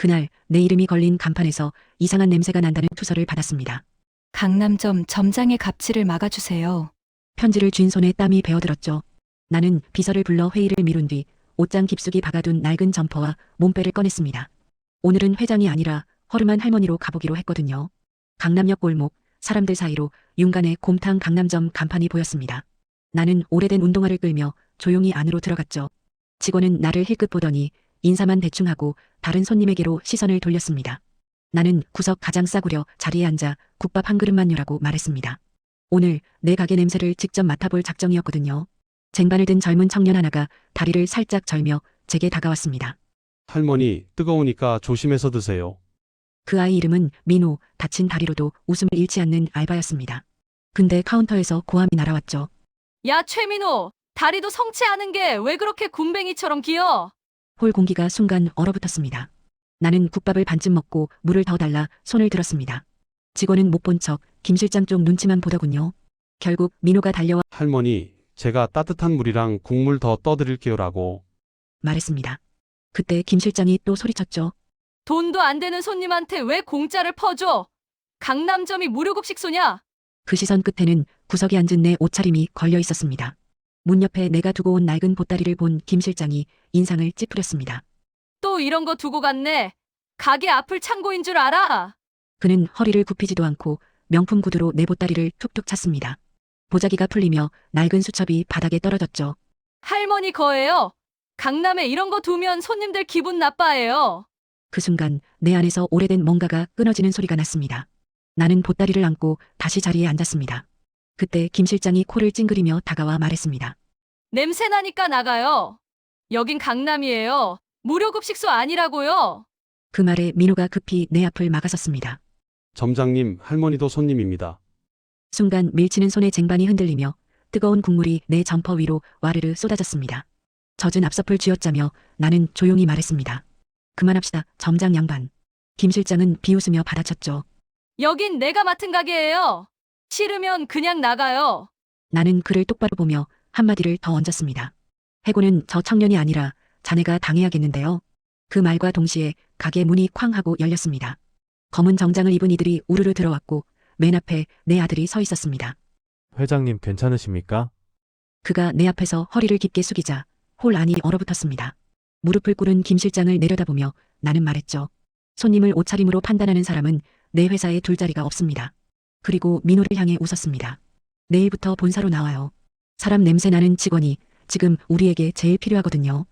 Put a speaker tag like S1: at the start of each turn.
S1: 그날 내 이름이 걸린 간판에서 이상한 냄새가 난다는 투서를 받았습니다.
S2: 강남점 점장의 갑질을 막아주세요.
S1: 편지를 쥔 손에 땀이 베어들었죠. 나는 비서를 불러 회의를 미룬 뒤 옷장 깊숙이 박아둔 낡은 점퍼와 몸빼를 꺼냈습니다. 오늘은 회장이 아니라 허름한 할머니로 가보기로 했거든요. 강남역 골목, 사람들 사이로 윤간의 곰탕 강남점 간판이 보였습니다. 나는 오래된 운동화를 끌며 조용히 안으로 들어갔죠. 직원은 나를 힐끗 보더니 인사만 대충 하고 다른 손님에게로 시선을 돌렸습니다. 나는 구석 가장 싸구려 자리에 앉아 국밥 한 그릇만 유라고 말했습니다. 오늘 내 가게 냄새를 직접 맡아볼 작정이었거든요. 쟁반을 든 젊은 청년 하나가 다리를 살짝 절며 제게 다가왔습니다.
S3: 할머니, 뜨거우니까 조심해서 드세요.
S1: 그 아이 이름은 민호, 다친 다리로도 웃음을 잃지 않는 알바였습니다. 근데 카운터에서 고함이 날아왔죠.
S4: 야, 최민호! 다리도 성취하는 게 왜 그렇게 굼벵이처럼 기어?
S1: 홀 공기가 순간 얼어붙었습니다. 나는 국밥을 반쯤 먹고 물을 더 달라 손을 들었습니다. 직원은 못 본 척 김 실장 쪽 눈치만 보더군요. 결국 민호가 달려와
S3: 할머니, 제가 따뜻한 물이랑 국물 더 떠드릴게요라고.
S1: 말했습니다. 그때 김 실장이 또 소리쳤죠.
S4: 돈도 안 되는 손님한테 왜 공짜를 퍼줘? 강남점이 무료급식소냐?
S1: 그 시선 끝에는 구석에 앉은 내 옷차림이 걸려 있었습니다. 문 옆에 내가 두고 온 낡은 보따리를 본 김 실장이 인상을 찌푸렸습니다.
S4: 또 이런 거 두고 갔네. 가게 앞을 창고인 줄 알아?
S1: 그는 허리를 굽히지도 않고 명품 구두로 내 보따리를 툭툭 찼습니다. 보자기가 풀리며 낡은 수첩이 바닥에 떨어졌죠.
S4: 할머니 거예요. 강남에 이런 거 두면 손님들 기분 나빠해요.
S1: 그 순간 내 안에서 오래된 뭔가가 끊어지는 소리가 났습니다. 나는 보따리를 안고 다시 자리에 앉았습니다. 그때 김 실장이 코를 찡그리며 다가와 말했습니다.
S4: 냄새 나니까 나가요. 여긴 강남이에요. 무료급식소 아니라고요.
S1: 그 말에 민호가 급히 내 앞을 막아섰습니다.
S3: 점장님, 할머니도 손님입니다.
S1: 순간 밀치는 손의 쟁반이 흔들리며 뜨거운 국물이 내 점퍼 위로 와르르 쏟아졌습니다. 젖은 앞서풀 쥐어짜며 나는 조용히 말했습니다. 그만합시다, 점장 양반. 김 실장은 비웃으며 받아쳤죠.
S4: 여긴 내가 맡은 가게예요. 싫으면 그냥 나가요.
S1: 나는 그를 똑바로 보며 한마디를 더 얹었습니다. 해고는 저 청년이 아니라 자네가 당해야겠는데요. 그 말과 동시에 가게 문이 쾅 하고 열렸습니다. 검은 정장을 입은 이들이 우르르 들어왔고 맨 앞에 내 아들이 서 있었습니다.
S5: 회장님 괜찮으십니까?
S1: 그가 내 앞에서 허리를 깊게 숙이자 홀 안이 얼어붙었습니다. 무릎을 꿇은 김 실장을 내려다보며 나는 말했죠. 손님을 옷차림으로 판단하는 사람은 내 회사에 둘 자리가 없습니다. 그리고 민호를 향해 웃었습니다. 내일부터 본사로 나와요. 사람 냄새 나는 직원이 지금 우리에게 제일 필요하거든요.